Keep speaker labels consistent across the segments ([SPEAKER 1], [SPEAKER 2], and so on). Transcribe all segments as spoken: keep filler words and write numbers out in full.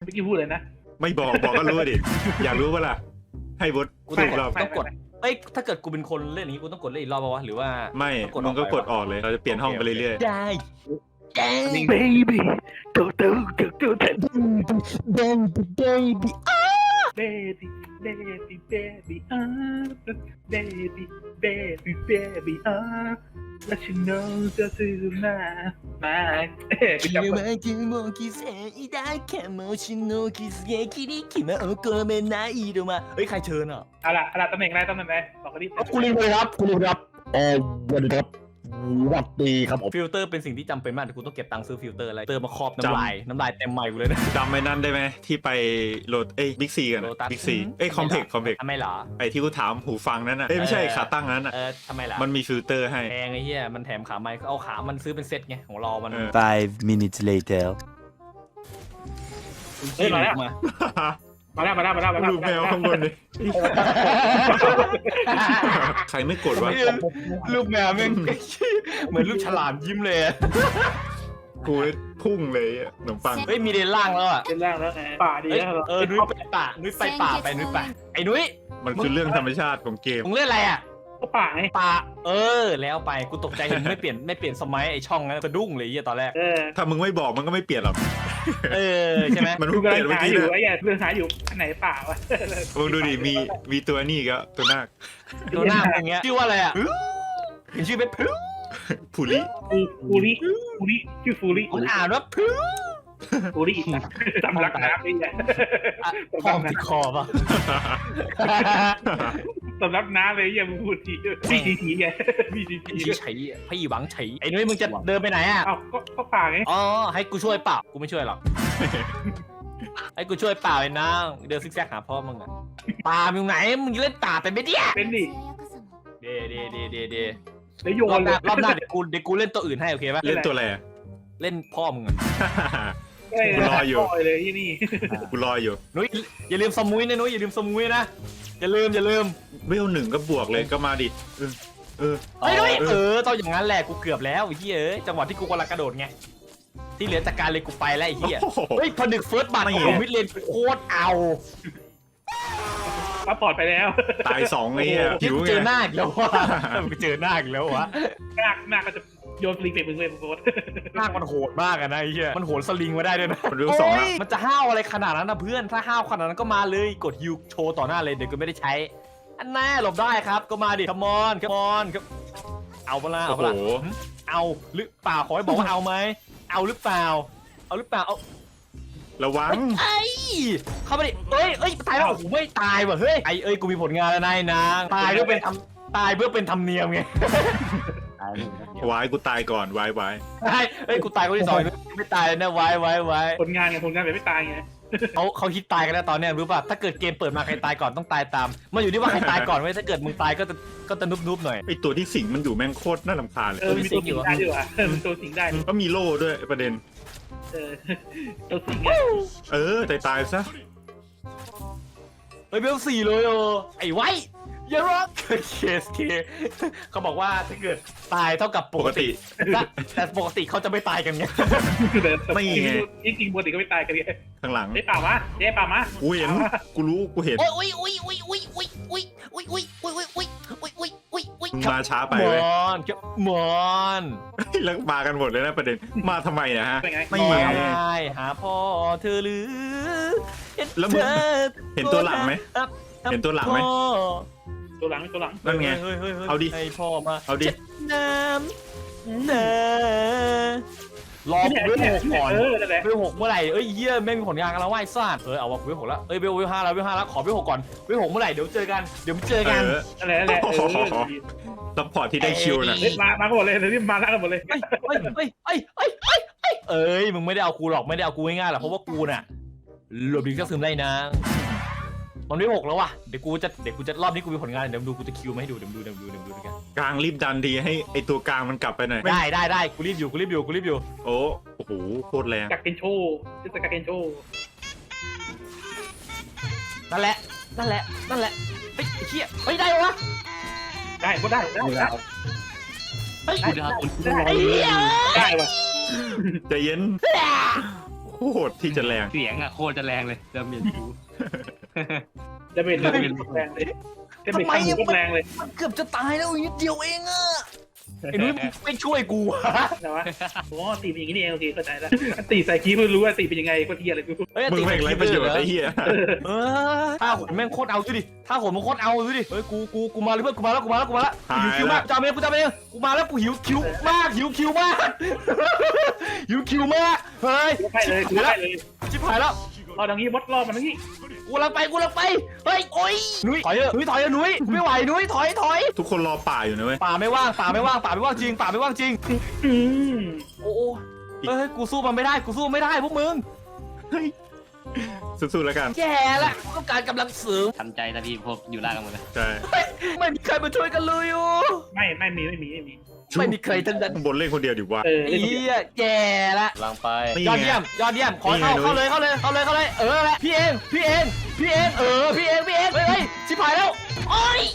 [SPEAKER 1] มื่อกี้พูดเลยนะ
[SPEAKER 2] ไม่บอกบอกก็รู้ดิอยากรู้ป่ะล่ะให้บด
[SPEAKER 3] กูต้อง
[SPEAKER 2] รอบ
[SPEAKER 3] ต้องกดเอ้ยถ้าเกิดกูเป็นคนเล่นอย่างนี้กูต้องกดเล่นอีกรอบป่าวะหรือว่า
[SPEAKER 2] ไม่มึงก็กดออกเลยเราจะเปลี่ยนห้องไปเรื่อย
[SPEAKER 3] ได้ได้
[SPEAKER 1] baby โตโตโตโตโต
[SPEAKER 3] baby baby
[SPEAKER 1] baby baby baby อ่า baby baby baby อ่าแล้วฉันน้องจะซื้อมามาเอ๊ะไปจับ
[SPEAKER 3] 君は気も気せいだかもしの気づきに気も込めない色まเฮ้ยใครเชิญอ่ะ
[SPEAKER 1] เอาล่ะเอาล่ะตำแหน่งอะไรตำแหน่งอะไรบอกกันดิ
[SPEAKER 4] คุณลิงเลยครับคุณลิงครับเออวันนี้ครับสวัสดีครับผม
[SPEAKER 3] ฟิลเตอร์เป็นสิ่งที่จำเป็นมากแต่กูต้องเก็บตังค์ซื้อฟิลเตอร์อะไรเติมมาครอบน้ำลายน้ำลายเต็มใหม่กูเลยนะ
[SPEAKER 2] ๆจำไอ้นั่นได้ไหมที่ไปโหลดเอ้ยบิ๊กซีกัน
[SPEAKER 3] Lotus
[SPEAKER 2] บิ๊กซีเอ้ยคอมเพล็กคอมเพล็ก
[SPEAKER 3] ทำไมเหรอ
[SPEAKER 2] ไอ้ที่กูถามหูฟังนั้นน่ะเอ้ยไม่ใช่ขาตั้งนั้นน่ะ
[SPEAKER 3] เออทำไมล่ะ
[SPEAKER 2] มันมีฟิลเตอร์ให้
[SPEAKER 3] แพงไอ้เหี้ยมันแถมขาไม้เอาขามันซื้อเป็นเซ็ตไงของเรามัน
[SPEAKER 2] เออ
[SPEAKER 5] Five minutes later.
[SPEAKER 1] เฮ้ยมาแล้ว
[SPEAKER 3] มา
[SPEAKER 1] มาแล้วมาแล้วมาแล้วมาแล้ว
[SPEAKER 2] รูปแมวข้างบนดิใครไม่กดวะ
[SPEAKER 3] รูปแมวแม่งเหมือนรูปฉลามยิ้มเลยอะ
[SPEAKER 2] กูพุ่งเลยอะขนมปัง
[SPEAKER 3] เฮ้ยมีเดนล่างแล้วอ่ะ
[SPEAKER 1] เป็นร่างแล้วไงป่าดี
[SPEAKER 3] เอ้ย
[SPEAKER 1] แล้ว
[SPEAKER 3] เออนุ้ยไปป่านุ้ยไปป่าไปนุ้ยไปไอ้นุ้ย
[SPEAKER 2] มันคือเรื่องธรรมชาติของเกม
[SPEAKER 3] มึงเล่นอะไรอ่ะ
[SPEAKER 1] ก็ป่าไง
[SPEAKER 3] ป่าเออแล้วไปกูตกใจเห็นไม่เปลี่ยนไม่เปลี่ยนสมัยไอ้ช่องนั้นสะดุ้งเลยไอ้เหี้ยตอนแรก
[SPEAKER 1] เออ
[SPEAKER 2] ถ้ามึงไม่บอกมันก็ไม่เปลี่ยนหรอก
[SPEAKER 3] เออใช่ไหม
[SPEAKER 2] มัน
[SPEAKER 1] กู
[SPEAKER 2] เพิ่งเป
[SPEAKER 1] กำลั
[SPEAKER 2] ลี่ยน
[SPEAKER 1] ง
[SPEAKER 2] เมื่อ
[SPEAKER 1] หา
[SPEAKER 2] กี้
[SPEAKER 1] อยู่
[SPEAKER 2] นะ
[SPEAKER 1] ไอ้เหี้ยเรื่องหาอยู่อันไหนป่าวะ
[SPEAKER 2] มึงดูดิมีมีตัวนี่ก็ตัวนาค
[SPEAKER 3] ตัวหน้ามึงอย่างเงี้ยชื่อว่าอะไรอ่ะเห็นชื่อเป็นพลุ
[SPEAKER 2] ผูลิ
[SPEAKER 1] ฟูฟูริฟูริชื่อฟูริ
[SPEAKER 3] คุณอ่านว่าพลุ
[SPEAKER 1] ฟูริสำลักน้ำนี่แหละ
[SPEAKER 3] คอมติดคอป่ะ
[SPEAKER 1] สำลักน้ำเลยอย่ามึงพูดทีพีทีทีไงพีทีที
[SPEAKER 3] ชี้ไฉพี่หวังไฉไอ้นุ้ยมึงจะเดินไปไหนอ่ะ
[SPEAKER 1] เอ้าก็ก็ป่าไง
[SPEAKER 3] อ๋อให้กูช่วยเปล่ากูไม่ช่วยหรอกให้กูช่วยเปล่าไอ้นางเดินซิกแซกหาพ่อมึงอ่ะป่ามึงไหนมึงเล่นป่าเป็นไม่เดี้ย
[SPEAKER 1] เป็นดิ
[SPEAKER 3] เดเดเดเดเด
[SPEAKER 1] แล้วโย
[SPEAKER 3] รอบ
[SPEAKER 1] น
[SPEAKER 3] ห
[SPEAKER 1] เล
[SPEAKER 3] น้าย รอบหน้าเดี๋ยวกูเดี๋ยวกูเล่นตัวอื่นให้โอเคป่ะ
[SPEAKER 2] เล่นตัวอะไรอะ
[SPEAKER 3] เล่นพ่อมึงอ่ะ
[SPEAKER 2] กูรออยู่
[SPEAKER 1] เลยที่นี่
[SPEAKER 2] กูรออยู่
[SPEAKER 3] นุ้ยอย่าลืมสมุยนะนุ้ยอย่าลืมสมุยนะอย่าลืมอย่าลืม
[SPEAKER 2] เวลหนึ่งก็บวกเลยก็มาดิเออเออ
[SPEAKER 3] เฮ้ยนุ้ยเออต้องอย่างนั้นแหละกูเกือบแล้วไอ้เหี้ยเอ้ยจังหวะที่กูกำลังกระโดดไงที่เหลือจากการเลยกูไปแล้วไอ้เหี้ย
[SPEAKER 2] โอ้โห
[SPEAKER 3] เฮ้ยพอดึกเฟิร์สบัตรของมิดเลนโคตรเอา
[SPEAKER 1] ซัพพอร์ตไปแล้ว
[SPEAKER 2] ตายสองไอ้เหี้ย
[SPEAKER 3] ที่
[SPEAKER 2] หิว
[SPEAKER 3] กู
[SPEAKER 2] ไง
[SPEAKER 3] เจอหน้าอีกแล้ววะกูเจอหน้าอีกแล้ววะ
[SPEAKER 1] หน้าหน้าก็จะโยนฟรีเปรตมึงเลยมึงโคตร
[SPEAKER 3] หน้ามันโหดมากอะนะไอ้เหี้ยมันโหนสลิงมาได้ด้วยนะ
[SPEAKER 2] มันเวลสองแล้ว
[SPEAKER 3] โยมันจะห้าวอะไรขนาดนั้นนะเพื่อนถ้าห้าวขนาดนั้นก็มาเลยกดฮิวโชว์ต่อหน้าเลยเดี๋ยวก็ไม่ได้ใช้อันแน่หลบได้ครับก็มาดิคัมออนคัมออนครับเอาเปล่าเอา
[SPEAKER 2] โอ้
[SPEAKER 3] เป
[SPEAKER 2] โห
[SPEAKER 3] ล่าเอาหรือเปล่าขอให้บอกว่าเอาไหมเอาหรือเปล่าเอาหรือเปล่าเอา
[SPEAKER 2] ระวัง
[SPEAKER 3] ไอ้เข้ามาดิเอ้ยเอ้ยตายแล้วโอ้โหไม่ตายว่ะเฮ้ยไอ้เอ้ยกูมีผลงานแล้วนายนางตายเพื่อเป็นทำตายเพื่อเป็นธรรมเนียมไง
[SPEAKER 2] วายกูตายก่อนวายวาย
[SPEAKER 3] ไอ้เอ้ยกูตายคนที่สองไม่ตายเลยนะไว้ไว้ไว้
[SPEAKER 1] ผลงานไงผลงานแบบไม่ตายไง
[SPEAKER 3] เขาเขาคิดตายกันแล้วตอนเนี้ยรู้ป่ะถ้าเกิดเกมเปิดมาใครตายก่อนต้องตายตามมันอยู่ที่ว่าใครตายก่อนไว้ยถ้าเกิดมึงตายก็จะก็จะนุบนุบหน่อย
[SPEAKER 2] ไอตัวที่สิงมันอยู่แม่งโคตรน่ารำคาญเลย
[SPEAKER 1] เออมีตัวสิงได้ด้วยว่ะเออมีตัวสิงได้
[SPEAKER 2] ก็มีโล่ด้วยประเด็น
[SPEAKER 1] เออตัวสิงไง
[SPEAKER 2] เออตายตายซะ
[SPEAKER 3] เฮ้ยเบลสี่เลยโอไอ้ไว้อย่าร้องเคสเคเขาบอกว่าถ้าเกิดตายเท่ากับป
[SPEAKER 2] ป
[SPEAKER 3] ก
[SPEAKER 2] ก
[SPEAKER 3] ติ
[SPEAKER 2] ติ
[SPEAKER 3] แต่แต่ปกติเขาจะไม่ตายกันไง
[SPEAKER 2] ไม่ไง
[SPEAKER 1] จริงๆปกติก็ไม่ตายกันไง
[SPEAKER 2] ข้างหลัง
[SPEAKER 1] ได้ป่าวะได้ป่าวะ
[SPEAKER 2] กูเห็นกูรู้กูเห็น
[SPEAKER 6] โอ้ยโอ้ยโอ้ยโอ้ยโอ้ยโอ้ยโอ้ยโอ้ยโอ้ยโอ้ยโอ้ยโอ้ยโอ้ยโอ้ย
[SPEAKER 2] มึงมาช้าไป
[SPEAKER 3] ม
[SPEAKER 2] เว้ย
[SPEAKER 3] อนครับมอน
[SPEAKER 2] แล้วมากันหมดเลยนะประเด็นมาทำไมนะฮะ
[SPEAKER 1] เป็นไง
[SPEAKER 2] ไม่
[SPEAKER 3] ไม่
[SPEAKER 2] ไง
[SPEAKER 3] หาพ่อเธอหรือเห็น
[SPEAKER 2] แล้วมึง
[SPEAKER 3] เธอ
[SPEAKER 2] เห็นตัวหลังไหมเห็นตัวหลังไหม
[SPEAKER 3] พ่อ
[SPEAKER 1] ตัวหลังตัวหลัง
[SPEAKER 2] นั่นไง
[SPEAKER 3] ฮ้ยฮ้ยฮ้ย
[SPEAKER 2] เอาดิ
[SPEAKER 3] ให้พ่อมา
[SPEAKER 2] เอาดิ
[SPEAKER 3] ช็น้ำเนรอกูเวลหกก่อน
[SPEAKER 1] เออนั่นแหละ
[SPEAKER 3] เวลหกเมื่อไหร่เอ้ยเยี่ยไม่มีผลงานกันแล้วว่ายซ่าเออเอาวะเวลหกแล้วเอ้ยเวลเวลห้าแล้วเวลห้าแล้วขอเวลหกก่อนเวลหกเมื่อไหร่เดี๋ยวเจอกันเดี๋ยวเจอ
[SPEAKER 2] เอ
[SPEAKER 3] กัน
[SPEAKER 2] อ
[SPEAKER 1] นั่นแหละนั่นแหละเออ
[SPEAKER 2] ซัพพอร์ตที่ได้คิวน่ะ
[SPEAKER 1] เฮ้ยมามากันหมดเลยเดี๋ยวนี้มาแล้วกันหมดเลย
[SPEAKER 3] เอ้ยเอ้ยเอ้ยเอ้ยเอ้ยเอ้ยเอ้ยเอ้ยมึงไม่ได้เอากูหรอกไม่ได้เอากูง่ายๆหรอกเพราะว่ากูน่ะหลบดีก็ซึมได้นะมันไม่หกแล้วว่ะเดี๋ยวกูจะเดี๋ยวกูจะรอบนี้กูมีผลงานเดี๋ยวดูกูจะคิวมาให้ดูเดี๋ยวดูเดี๋ยวดูเดี๋ยวดูกัน
[SPEAKER 2] กลางรีบดันดีให้ไอตัวกลางมันกลับไปหน่อย
[SPEAKER 3] ได้ได้ได้กูรีบอยู่กูรีบอยู่กูรีบอยู่
[SPEAKER 2] โอ้โอ้โหโคตรแรง
[SPEAKER 1] กักเกนโชว์จะกักเกนโชว์
[SPEAKER 3] นั่นแหละนั่นแหละนั่นแหละเฮ้ยไอ้เหี้ยเฮ้ยได้วะ
[SPEAKER 1] ได้ก็ได้ได้ได้
[SPEAKER 3] เฮ้ย
[SPEAKER 1] ได้
[SPEAKER 3] ไอ้เหี้ย
[SPEAKER 1] ได้ว่ะ
[SPEAKER 2] ใจเย็นโหดที่จะแรง
[SPEAKER 5] เสียงอะโคตรจะแรงเลยเดิมเมียนกู
[SPEAKER 1] จะเป็นจะเป็นแรงเลยจะเป็นข้างหูแรงเลย
[SPEAKER 3] มันเกือบจะตายแล้วอีกนิดเดียวเองอะไอ้นุ้ยมึงไม่ช่วยกูอะ
[SPEAKER 1] นะวะโอ้ตีเป็นอย่างนี้นี่เองโอเคเข้าใจแล้วตีใส่คีย์เพิ่งรู้ว่าตีเป็นยังไงก็เทียอะไรกู
[SPEAKER 3] เฮ้ย
[SPEAKER 2] มึง
[SPEAKER 3] ตี
[SPEAKER 2] แม่งไรประโยชน์ไอ้เหี้ย
[SPEAKER 3] เออถ้าโหนแม่งโคตรเอาดูดิถ้าโหนมันโคตรเอาดูดิเฮ้ยกูกูกูมาเลยเพื่อนกูมาแล้วกูมาแล้วกูมาแล้วหิวคิวมากจำเองกูจำเองกูมาแล้วกูหิวคิวมากหิวคิวมากหิวคิวมากเฮ้ย
[SPEAKER 1] ใช่เลยกูได้เลย
[SPEAKER 3] ชิบหายแล้ว
[SPEAKER 1] รอตรงนี้มดรอมันตรงนี้
[SPEAKER 3] กูลังไปกูลังไปเฮ้ยโอ้ยนุ้ยถอยเถอะนุ้ยถอยเถอะนุ้ยไม่ไหวนุ้ยถอยถอย
[SPEAKER 2] ทุกคนรอป่าอยู่นะเว้ย
[SPEAKER 3] ป่าไม่ว่างป่าไม่ว่างป่าไม่ว่างจริงป่าไม่ว่างจริง
[SPEAKER 1] อืม
[SPEAKER 3] โอ้เฮ้ยกูสู้มันไม่ได้กูสู้ไม่ได้พวกมึง
[SPEAKER 2] สู้ๆแล้วกัน
[SPEAKER 3] แย่ละกูต้องการกำลังเสริม
[SPEAKER 5] ทำใจนะพี่พวกอยู่ล่างกันหมดเลย
[SPEAKER 2] ใช่
[SPEAKER 3] ไม่มีใครมาช่วยกันเลยอ่ะ
[SPEAKER 1] ไม่ไม่มีไม่มีไม่มี
[SPEAKER 3] ไม่มีใครทั้งนั้น
[SPEAKER 2] ข้างบนเล่นคนเดียวดีกว่า
[SPEAKER 1] เออ
[SPEAKER 3] ไอ้เหี้ยแย่ละ
[SPEAKER 5] ลังไป
[SPEAKER 2] นี่
[SPEAKER 3] ยอด
[SPEAKER 2] ไง
[SPEAKER 3] เยี่ยมยอดเยี่ยมขอ
[SPEAKER 2] นี่ไง
[SPEAKER 3] เข้า
[SPEAKER 2] นุ้ย
[SPEAKER 3] เข้าเลยเข้าเลยเข้าเลยเข้าเลยเออแหละพี่เองพี่เองพี่เองเออพี่เองพี่เองเฮ้ยเฮ้ยชิบหายแล้วโอ้ย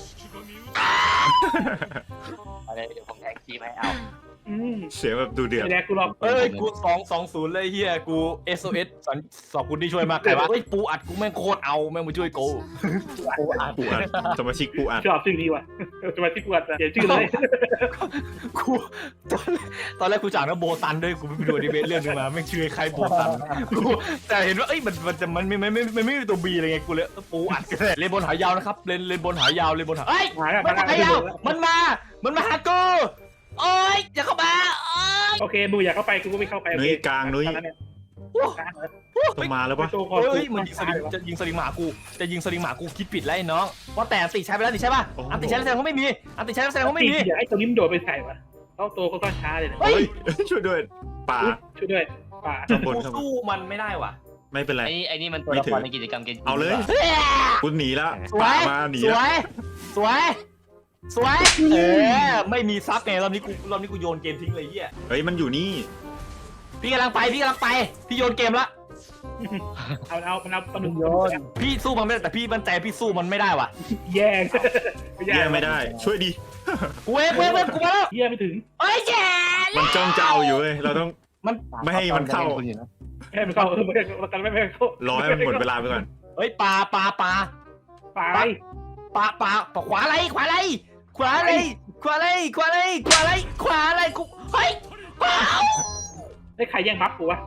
[SPEAKER 5] อะไรเดี๋ยวผมแทงคีย์ให้เอา
[SPEAKER 1] อืม
[SPEAKER 2] เสียงแบบดูเดือด
[SPEAKER 1] ไอ้แดกกูรอ
[SPEAKER 3] เอ้ยกูสองสองศูนย์เลยเฮียกู เอส โอ เอส สอนสอบคุณที่ช่วยมากใครวะเฮ้ยปูอัดกูแม่งโคตรเอาแม่งมาช่วยกู
[SPEAKER 2] ปูอัดสมาชิกปูอัด
[SPEAKER 1] ชอบชื่อนี้ว่ะจะมาที่กูอัดเขียนชื่อเลย
[SPEAKER 3] กูตอนแรกตอนแรกกูจากนะโบตันด้วยกูไปดูอนิเมะเรื่องนึงมาแม่งชื่อใครโบตันกูแต่เห็นว่าเอ้ยมันมันจะมันไม่ไม่ไม่ไม่ไม่มีตัวบีอะไรไงกูเลยเออปูอัดกันเลยเลนบนหายาวนะครับเลนเลนบนหายาวเลนบนหาเอ้ย
[SPEAKER 1] หาแล้ว
[SPEAKER 3] มันมาหายาวมันมามันมาหากูโอ้ยอย่าเข้ามาโอ้ย
[SPEAKER 1] โอเคมึงอยากเข้าไปกูก็ไม่เข้าไป
[SPEAKER 2] นุ้ยกลางนุ้ย
[SPEAKER 3] โอ้
[SPEAKER 2] ต้องมาแล้วปะ
[SPEAKER 1] โตก่อน
[SPEAKER 3] เฮ้ยมันยิงสลิงจะยิงสลิงหมากูจะยิงสลิงหมากูคิดผิดแล้วไอ้น้องเพราะแต่อันติใช้ไปแล้วนี่ใช่ป่ะอันติใช้แล้วแสดงว่าไม่มีอันติใช้แล้วแสดงว่าไม่มี
[SPEAKER 1] อยากให้ตัวนี้มันโดดไปใส่วะเข้าตัวก็ช้าเลยเนี่ย
[SPEAKER 3] เฮ้ย
[SPEAKER 2] เฮ้ยช่วยด้วยป่า
[SPEAKER 1] ช่วยด้วยป่า
[SPEAKER 2] ข้างบน
[SPEAKER 3] กู
[SPEAKER 2] ข้างบน
[SPEAKER 3] สู้มันไม่ได้ว่ะ
[SPEAKER 2] ไม่เป็นไร
[SPEAKER 5] ไอ้ไอ้นี่มันตัวละครในกิจกรรมเกม
[SPEAKER 2] เอาเลยกูหนีแล้ว
[SPEAKER 3] สว
[SPEAKER 2] ป่าย มาหนี
[SPEAKER 3] ส
[SPEAKER 2] แล้ว
[SPEAKER 3] วยสวยสวยเออไม่มีซับไงรอบนี้กูรอบนี้กูโยนเกมทิ้งเลยเฮีย
[SPEAKER 2] เฮ้ยมันอยู่นี่
[SPEAKER 3] พี่กำลังไปพี่กำลังไปพี่โยนเกมละ
[SPEAKER 1] เอาเอามันเอาปลาหมึก
[SPEAKER 3] พี่สู้มันไม่ได้แต่พี่มั่นใจพี่สู้มันไม่ได้ว่ะ
[SPEAKER 1] แย่ง
[SPEAKER 2] แย่ไม่ได้ ช่วยดี
[SPEAKER 3] กูเว้ยเว้ยเว้ยกูมาแล้ว
[SPEAKER 1] แย่ไม่ถึง
[SPEAKER 3] เอ้ยแย่
[SPEAKER 2] มันจ้องจะเอาอยู่เว้ยเราต้อง
[SPEAKER 3] มัน
[SPEAKER 2] ไม่ให้มันเข้า
[SPEAKER 1] แย่ไม่เข้าเออไม่กันไม่ไม่เข้าร
[SPEAKER 2] อให้มันหมดเวลาไปก่อน
[SPEAKER 3] เฮ้ยปลาปลาปลา
[SPEAKER 1] ป่า
[SPEAKER 3] ปลาปลาปลาขวาอะไรขวาอะไรขวาอะไรขวาอะไรขวาอะไรขวาอะไรขวาอะไรกูเฮ้ยขวา
[SPEAKER 1] ได้ใครแย่งบัฟกูวะ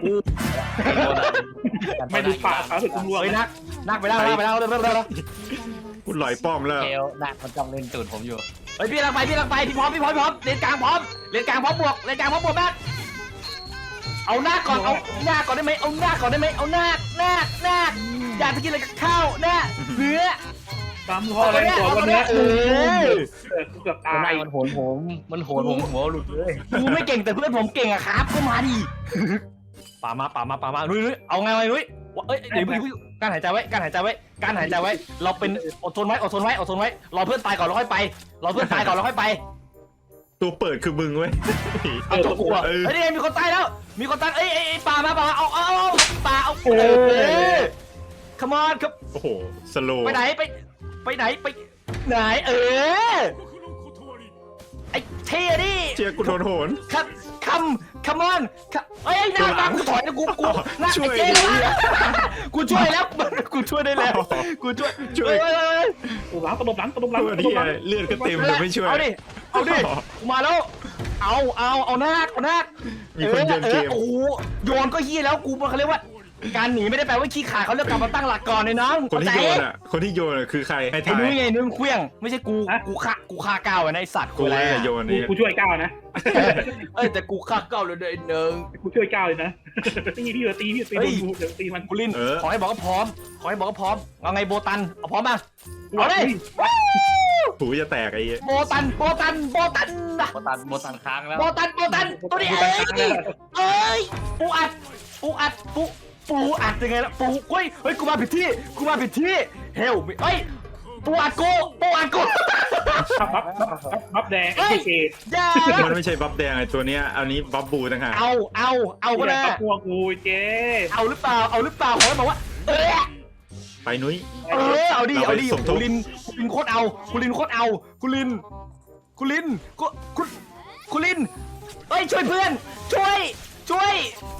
[SPEAKER 1] ไม่ดูป่าป่าถึงกูรวง
[SPEAKER 3] เฮ้ยนักนักไปแล้วนักไปแล้วเร็วเร็วเร็วเร็ว
[SPEAKER 2] กูหลอยป้อมแล้ว
[SPEAKER 5] เกลหนักมันจ้องเล่นตูดผมอยู่
[SPEAKER 3] เฮ้ยพี่กำลังไปพี่กำลังไปพี่พร้อมพี่พร้อมพี่พร้อมเลนกลางพร้อมเลนกลางพร้อมบวกเลนกลางพร้อมบวกนักเอาหน้าก่อนเอาหน้าก่อนได้ไหมเอาหน้าก่อนได้ไหมเอาหน้าหน้าหน้าอยากจะกินอะไรกับข้าวหน้าเนื้อ
[SPEAKER 1] ตามพ่อเลยตัววันนี้
[SPEAKER 3] เออ
[SPEAKER 1] กูเกือบ
[SPEAKER 5] ตา
[SPEAKER 1] ตาย ย
[SPEAKER 5] มันโหนผมมันโหนผมหัวหลุดเลย
[SPEAKER 3] กูไม่เก่งแต่เพื่อนผมเก่งอะครับก็มาดิป่ามาป่ามาป่ามานุ้ยนุ้ยเอาไงไงนุ้ยเอ้ยเดี๋ยวพี่การหายใจไว้การหายใจไว้การหายใจไว้เราเป็นอดทนไว้อดทนไว้อดทนไว้รอเพื่อนตายก่อนแล้วค่อยไปรอเพื่อนตายก่อนแล้วค่อยไป
[SPEAKER 2] ตัวเปิดคือมึงเว้ย
[SPEAKER 3] เอาจบกูเฮ้ยนี่มีคนตายแล้วมีคนตายเอ้ยเอ้ยป่ามาป่าเอาเอาเอาป่าเอาเออ come on ครับ
[SPEAKER 2] โอ้โหสโล
[SPEAKER 3] ไปไหนไปไปไหนไปไหนเออไอ้เท่ดิ
[SPEAKER 2] เชียร์กูโดนโหน
[SPEAKER 3] ครับคำ come on เอ้ยหน้าตากูถอยนะกูกูหน้า
[SPEAKER 2] ช่วย
[SPEAKER 3] เจ๊แล้วกูช่วยแล้วกูช่วยได้แล้วกูช่วย
[SPEAKER 2] ช่วย
[SPEAKER 1] ตัวหลังตบหลังตบหลัง
[SPEAKER 2] ตัว
[SPEAKER 1] ตบ
[SPEAKER 2] ที่
[SPEAKER 1] หลัง
[SPEAKER 2] เลือดก็เต็มแต่ไม่ช่วย
[SPEAKER 3] เอาดิเอาดิกูมาแล้วเอาเอาเอาหน้าเอาหน้า
[SPEAKER 2] มีคนโยนเกม
[SPEAKER 3] โอ้โยนก็เฮี้ยแล้วกูเขาเรียกว่าการหนีไม่ได้แปลว่าขี้ขาเขาเรียกกลับมาตั้งหลักก่อนเลยน้อง
[SPEAKER 2] คนที่โยนอ่ะคนที่โยนอ่ะคือใครให้
[SPEAKER 3] ไอ้
[SPEAKER 2] ทาย
[SPEAKER 3] นุ้ยไงนุ้ยเคลี้ยงไม่ใช่กูกูฆ่ากูฆ่าก้าวไอ้ไอ้สัตว์
[SPEAKER 2] กู
[SPEAKER 3] อะไร
[SPEAKER 2] เลย
[SPEAKER 3] อะ
[SPEAKER 2] โยน
[SPEAKER 1] กู
[SPEAKER 2] นี่
[SPEAKER 1] กูช่วยก้าวนะ
[SPEAKER 3] เอ้ยแต่กูฆ่าก้าวเลยเด้อหนึ่ง
[SPEAKER 1] กูช่วยก้าวเลยนะตีพี่ตีพี่ตีดูเดี๋ยวตีมัน
[SPEAKER 3] กูลินขอให้บอกก็พร้อมขอให้บอกก็พร้อมเอาไงโบตันเอาพร้อมป่ะเอาเลย
[SPEAKER 2] หูจะแตกไอ้
[SPEAKER 3] โบตันโบตันโบตันนะ
[SPEAKER 5] โบตันโบตันค้างแล้ว
[SPEAKER 3] โบตันโบตันตัวนี้เอ้ยเอ้ยปูอัดปูอัดปูปูอัดยังไงล่ะปูเฮ้ยเฮ้ยกูมาผิดที่กูมาผิดที่เฮลเฮ้ยปูอัดกูปูอัดกู
[SPEAKER 1] บัฟบัฟบัฟแดงไอ้เกศ
[SPEAKER 3] อย่า
[SPEAKER 2] มันไม่ใช่บัฟแดงไอ้ตัวเนี้ยอันนี้บัฟบูต่างหาก
[SPEAKER 3] เอาเอาเอาก็ได้
[SPEAKER 1] บัฟพวกกูเจ๊
[SPEAKER 3] เอาหรือเปล่าเอาหรือเปล่าขอให้บอกว่าเออ
[SPEAKER 2] ไปนุ้ย
[SPEAKER 3] เออเอาดิเอาดิ
[SPEAKER 2] เราไปสมทบ
[SPEAKER 3] คุณลินคุณลินโคตรเอาคุณลินโคตรเอาคุณลินคุณลินคุณคุณคุณลินเฮ้ยช่วยเพื่อนช่วยช่วย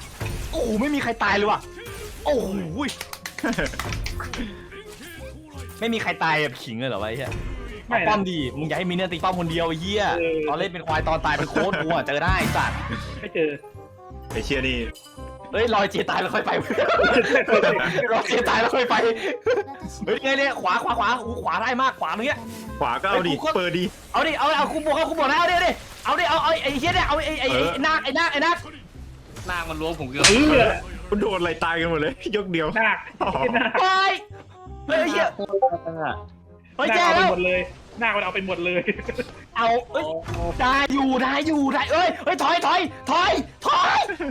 [SPEAKER 3] โอ้โหไม่มีใครตายเลยว่ะโอ้โหไม่มีใครตายแบบขิงเลยเหรอวะไอ้เหี้ย
[SPEAKER 1] ไม่
[SPEAKER 3] ป้อ
[SPEAKER 1] นะ
[SPEAKER 3] มดีมึงอย่าให้มีเนื้อตีป้อมคนเดียวไอ้เหี้ย
[SPEAKER 1] เออ
[SPEAKER 3] ตอนเล่นเป็นควายตอนตายเป็นโค้ดกูอะเจอได้ไอ้สัตว์
[SPEAKER 1] ไม่เจอ
[SPEAKER 2] ไอเชียนี่
[SPEAKER 3] เฮ้ยรอยเจตายแล้วค่อยไปรอยเจตายแล้วค่อยไปเฮ้ยไงเนี่ยขวาขวาขวาอู้ขวาได้มากขวาตรงเนี้ย
[SPEAKER 2] ขวาก็เอาดิ
[SPEAKER 3] ไอ้กูก็
[SPEAKER 2] เปิดดิ
[SPEAKER 3] เอาดิเอาเอาคุมบวกเอาคุมบวกนะเอาดิเอาดิเอาดิเอาไอ้เหี้ยเนี่ยเอาไอ้ไอ้ไอ้นาคไอ้นาคไอ้นาค
[SPEAKER 5] หน้ามันล้วงผมเกือบ
[SPEAKER 1] เออ
[SPEAKER 2] มันโดนอะไรตายกันหมดเลย ยกเดียว
[SPEAKER 1] หน้าหน้า
[SPEAKER 3] ไปเฮ้ยไอ้เหี้ยเฮ้ย
[SPEAKER 1] หน้า
[SPEAKER 3] แย่
[SPEAKER 1] เอาไป
[SPEAKER 3] แล้ว
[SPEAKER 1] หมดเลยหน้ามันเอาไปหมดเลย
[SPEAKER 3] เอาเอ้ยได้อยู่ได้อยู่ได้เอ้ยเฮ้ยถอยถอยถอยถอย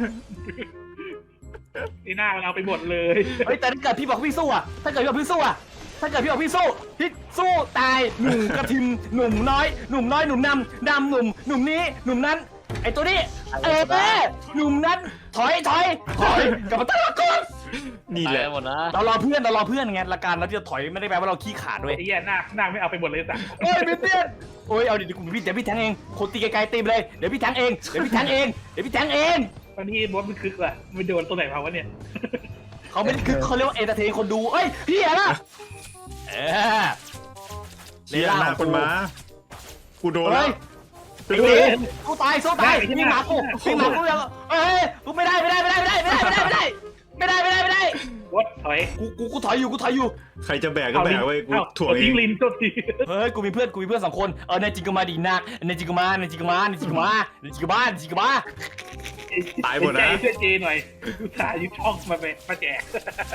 [SPEAKER 1] นี่หน้ามันเอาไปหมดเลย
[SPEAKER 3] เฮ้ยแต่ถ้าเกิดพี่บอกพี่สู้อะถ้าเกิดพี่บอกพี่สู้อะถ้าเกิดพี่บอกพี่สู้พี่สู้ตายหนุ่มกระทิมหนุ่มน้อยหนุ่มน้อยหนุ่มนำดำหนุ่มหนุ่มนี้หนุ่มนั้นไอตัวนี้เออแม่หนุ่มนั้นถอยถอยถอยกลับมาตั้งหลักก่อน
[SPEAKER 2] นี่
[SPEAKER 5] ตา
[SPEAKER 2] แห
[SPEAKER 5] ย
[SPEAKER 2] ละ
[SPEAKER 5] หมดนะ
[SPEAKER 3] เรารอเพื่อนเรารอเพื่อนไงละกันเราจะถอยไม่ได้แปลว่าเราขี้ขาดด้วย
[SPEAKER 1] ไอ้เหี้ยหน้าหน้าไม่เอาไปหมดเลยสัก
[SPEAKER 3] โอ้ยพี่เตี้ยโอ้ยเอาดิกูพี่เดี๋ยวพี่แทงเองคนตีไกลๆตีไปเลยเดี๋ยวพี่แทงเองเดี๋ยวพี่แทงเองเดี๋ยวพี่แทงเอง
[SPEAKER 1] ตอนนี้บอสมันคึกว่ะมันโดนตัวไหนมาวะเนี่ย
[SPEAKER 3] เขาไม่ได้คือเขาเรียกว่าเอนเตอร์เทนคนดูเอ้ยพี่อะนะเออ
[SPEAKER 2] เชียหน้าคนมากูโดน
[SPEAKER 3] เฮ้
[SPEAKER 2] แล้ว
[SPEAKER 3] ย
[SPEAKER 2] ตึ้
[SPEAKER 3] ไอ้
[SPEAKER 2] ง
[SPEAKER 3] เด็กกูตายสู้ตายพี่หมากูพี่หมากูยังเอ้ยกูไม่ได้ไม่ได้ไม่ได้ไม่ได้ไม่ได้ไม่ได้ไม่ได้ไม่ได้ไม่ได้ไม่ได้
[SPEAKER 1] บอสถอย
[SPEAKER 3] กูกูกูถอยอยู่กูถอยอยู่
[SPEAKER 2] ใครจะแบกก็แบกไว้กู
[SPEAKER 1] เอ้า
[SPEAKER 2] ถ่วงเอ
[SPEAKER 1] ทิ้
[SPEAKER 2] ง
[SPEAKER 1] งลินตัวที
[SPEAKER 3] เฮ้ยกูมีเพื่อนกูมีเพื่อนสองคนเออในจิกมาดีนักในจิกมาในจิกมาในจิกมาในจิกมาในจิกมา
[SPEAKER 2] ตายหมดนะ
[SPEAKER 1] ใจเพื่อนเจหน่อยอุตส่าห์ยึดช่องมาไปมาแจก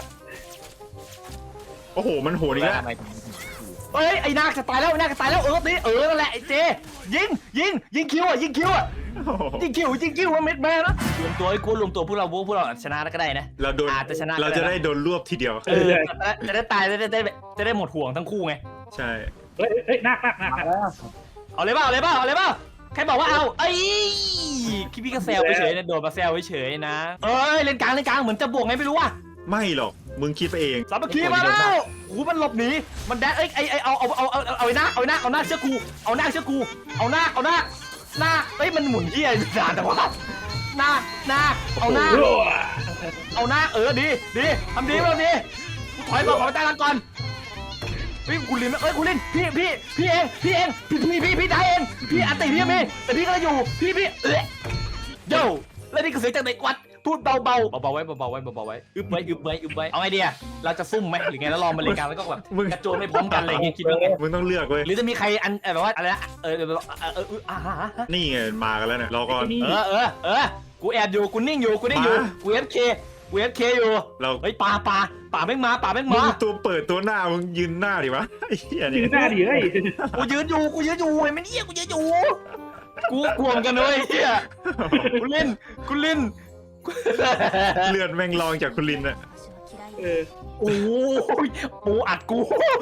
[SPEAKER 2] โอ้โหมันโหดอีกแล้ว
[SPEAKER 3] เฮ้ยไอ้นาคจะตายแล้วไอ้นาคจะตายแล้วเออตีเออนั่นแหละไอ้เจยิงยิงยิงคิวอ่ะยิงคิวอ่ะ
[SPEAKER 2] โอ้โห
[SPEAKER 3] ยิงคิวยิงคิวว่าเม็ดแม่นะรวมตัวไอ้กูรวมตัวพวกเราพวกเราชนะก็ได้นะ
[SPEAKER 2] เราโดน
[SPEAKER 3] อาจจะชนะก็ได้
[SPEAKER 2] เราจะได้โดนรวบทีเดียว
[SPEAKER 3] เออจะได้ตายจะได้จะได้จะได้หมดห่วงทั้งคู่ไง
[SPEAKER 2] ใช่
[SPEAKER 1] เฮ้ยเฮ้ยนักนักนักนัก
[SPEAKER 3] เอาเลยเปล่าเอาเลยเปล่าเอาเลยเปล่าใครบอกว่าเอาไอ้คิดพี่ก็แซวไปเฉยนะโดนมาแซวไปเฉยนะเอ้ยเล่นกลางเล่นกลางเหมือนจะบวกไงไม่รู้อ่ะ
[SPEAKER 2] ไม่หรอกมึงคิดไปเอง
[SPEAKER 3] สามัคคีมาแล้วโอ้มันหลบหนีมันแดดเอ้ยไอ้ไอ้เอาเอาเอาเอาเอาไอ้หน้าเอาไอ้หน้าเอาหน้าเชือกกูเอาหน้าเชือกกูเอาหน้าเอาหน้าหน้าเอ้ยมันหมุนเหี้ยนานแต่ว่าหน้าหน้าเอาหน้า
[SPEAKER 1] โอ้โห
[SPEAKER 3] เอาหน้าเออดีดีทำดีทำดีกูถอยก่อนขอไปตั้งกันก่อนพี่คุณลินเอ้ยคุณลินพี่พี่พี่เองพี่เองพี่พี่พี่พี่ได้เองพี่อันติพี่ยังมีแต่พี่ก็อยู่พี่พี่เอ๊ะโย่แล้วนี่ก็เสียงจากเด็กวัดพูดเบาๆเบาๆไว้เบาๆไว้เบาๆไว้อึบไว้อึบไว้อึบไว้เอาไงดีอะเราจะซุ่มไหมหรือไงแล้วรอมาเล่นกันแล้วก็แบบกระโจนไม่พร้อมกันอะไรอย่างเงี้ยคิดว่าไง
[SPEAKER 2] มึงต้องเลือกเว้ย
[SPEAKER 3] หรือจะมีใครอันแบบว่าอะไรนะเออเออเออเอออ่าฮะ
[SPEAKER 2] นี่ไงมากันแล้วเนี่ยรอก่อน
[SPEAKER 3] เออเออเออกูแอบอยู่กูนิ่งอยู่กูนิ่งอยู่
[SPEAKER 2] มา
[SPEAKER 3] กูเอฟเคกูเอฟเคอยู่
[SPEAKER 2] เรา
[SPEAKER 3] เฮ้ยป่าป่าป่าแม่งมาป่าแม่ง
[SPEAKER 2] มึ
[SPEAKER 3] มาง
[SPEAKER 2] ตัวเปิดตัวหน้ามึงยืนหน้าดิวะไอ้เหี้ย
[SPEAKER 1] ยื
[SPEAKER 2] นี่
[SPEAKER 1] นหน้าดิเฮ้ย
[SPEAKER 3] กูยืนอยู่กูยืนอยู่เห็นไหมเนี่ยกูยืนอยู่กูกลัวเหมือนกันเลยเฮียกูเล่นกูเล่น
[SPEAKER 2] เลือดแม่งลองจากคุณลินอะ
[SPEAKER 1] เออ
[SPEAKER 3] โอ้ยปูอัดกู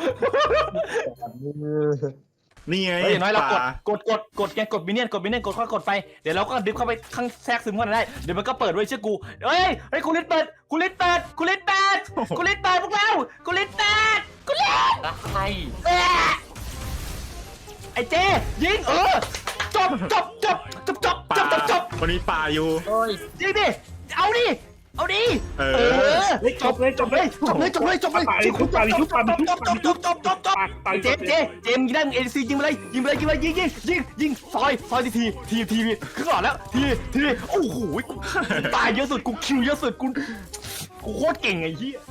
[SPEAKER 2] นี่ไง
[SPEAKER 3] เฮ้ยอย่างน้อยเรากด
[SPEAKER 2] ป่าก
[SPEAKER 3] ดกดกดไงกดมินเนี่ยนกดมินเนี่ยนกดค่อยกดไปเดี๋ยวเราก็ดึงเข้าไปข้างแทรกซึมเข้าไปได้เดี๋ยวมันก็เปิดไว้เชื่อกูเฮ้ยเฮ้ยคุณลินเปิดคุณลินเปิดคุณลินเปิดคุณลินเปิดพวกเราคุณลินเปิดคุณลิน
[SPEAKER 5] ใช่
[SPEAKER 3] เอ๊ะไอ้เจยิงเออจบจบจบจบจบ
[SPEAKER 2] ป่า
[SPEAKER 3] จบจบจบ
[SPEAKER 2] คนนี้ป่าอยู่
[SPEAKER 5] โอ้ย
[SPEAKER 3] ยิงดิเอาดิเอาดิ
[SPEAKER 2] เอ
[SPEAKER 3] เอ
[SPEAKER 2] อ
[SPEAKER 3] อ
[SPEAKER 1] เฮ้ยจบเลยจบเลย
[SPEAKER 3] จบเลยจบเลยจบเลย
[SPEAKER 1] ป่าดิชุบป่าดิชุบป่าดิชุบ
[SPEAKER 3] จบจบจบจบจบจบ
[SPEAKER 1] ป่าดิ
[SPEAKER 3] เจมเจเจมยิงได้มึงเอ็นซียิงไปเลยยิงไปเลยยิงไปเลยยิงยิงยิงยิงซอยซอยทีทีทีทีขึ้นก่อนแล้วทีทีโอ้โหกูตายเยอะสุดกูคิวเยอะสุดกูกูโคตรเก่งไอ้เหี้ย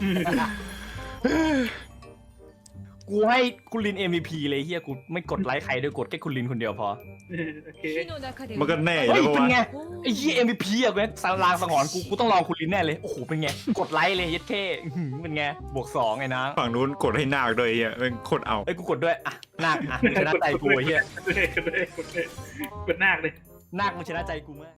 [SPEAKER 3] กูให้คุณลิน เอ็ม วี พี เลยเฮียกูไม่กดไลค์ใครด้วยกดแค่คุณลินคนเดียวพอ
[SPEAKER 1] โอเค
[SPEAKER 2] มันก็แน่อ
[SPEAKER 3] เฮ้ย
[SPEAKER 2] ยู่
[SPEAKER 3] เป็น
[SPEAKER 2] แล้ว
[SPEAKER 3] ไง
[SPEAKER 2] วะ
[SPEAKER 3] ไอ้เฮีย เอ็ม วี พี อ่ะกูสารางสังหรณ์กูกูต้องลองคุณลินแน่เลยโอ้โหเป็นไงกดไลค์เลยเย็ดเท่อื้อหือเป็นไงบวกสองไงนะ
[SPEAKER 2] ฝั่งนู้นกดให้นาคด้วยไอ้เหี้ยเป็นโคตรเอา
[SPEAKER 3] เอ้ยกูกดด้วยอ่ะนาคอ่ะมึงชนะใจกูไอ้เฮีย
[SPEAKER 1] กดเลยกดเลยกดเลยกดหน้าเลย
[SPEAKER 3] นาคมึงชนะใจกูมาก